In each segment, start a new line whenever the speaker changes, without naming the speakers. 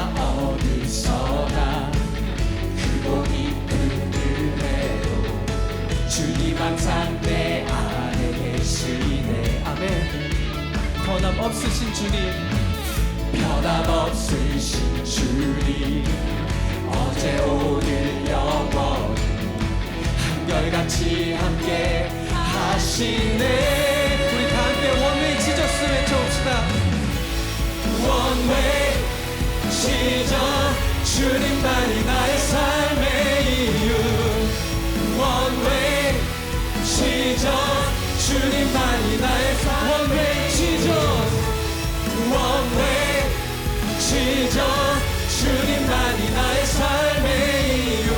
어디서나 크고 깊은 은혜로 주님 항상 내 안에 계시네. 아멘. 변함없으신 주님, 변함없으신 주님, 어제 오늘 영원히 한결같이 함께 하시네. 우리 다 함께 원웨이 지저스 외쳐봅시다. 원웨이 지저, 주님만이 나의 삶의 이유. 원웨이 지저, 주님만이 나의 삶의 원웨이 지저, 원웨이 지저, 주님만이 나의 삶의 이유.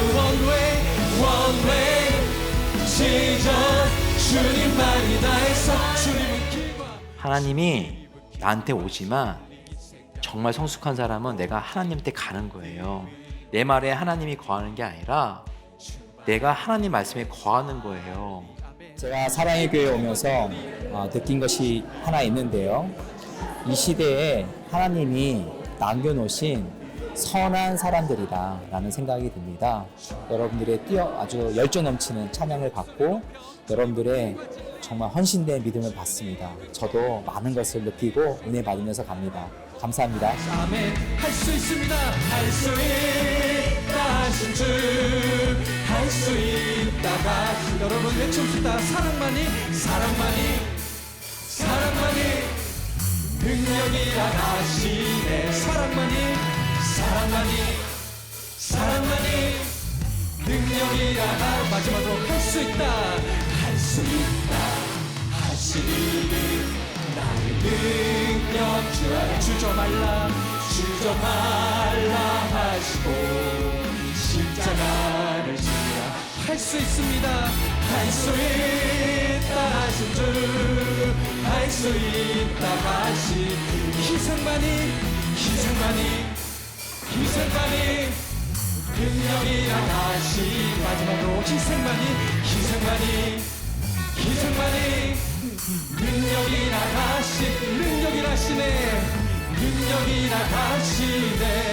원웨이 지저, 주님만이 나의 삶. 주님은 길과
하나님이 나한테 오지만 정말 성숙한 사람은 내가 하나님한테 가는 거예요. 내 말에 하나님이 거하는 게 아니라 내가 하나님 말씀에 거하는 거예요.
제가 사랑의 교회에 오면서 느낀 것이 하나 있는데요. 이 시대에 하나님이 남겨놓으신 선한 사람들이라는 생각이 듭니다. 여러분들의 아주 열정 넘치는 찬양을 받고 여러분들의 정말 헌신된 믿음을 받습니다. 저도 많은 것을 느끼고 은혜 받으면서 갑니다. 감사합니다.
아멘. 할 수 있습니다. 할 수 있다 하신 주, 할 수 있다가 여러분 외칩시다. 사랑만이 능력이라 하시네. 사랑만이 능력이라 하. 마지막으로 할 수 있다 하시니 나의 능력 주 안에 주저 말라 하시고 십자가를 지라. 할 수 있습니다. 할 수 있다 하신 주, 할 수 있다 하시. 희생만이 능력이라 하시. 마지막으로 희생만이 능력이라 하시네. 능력이라 하시네.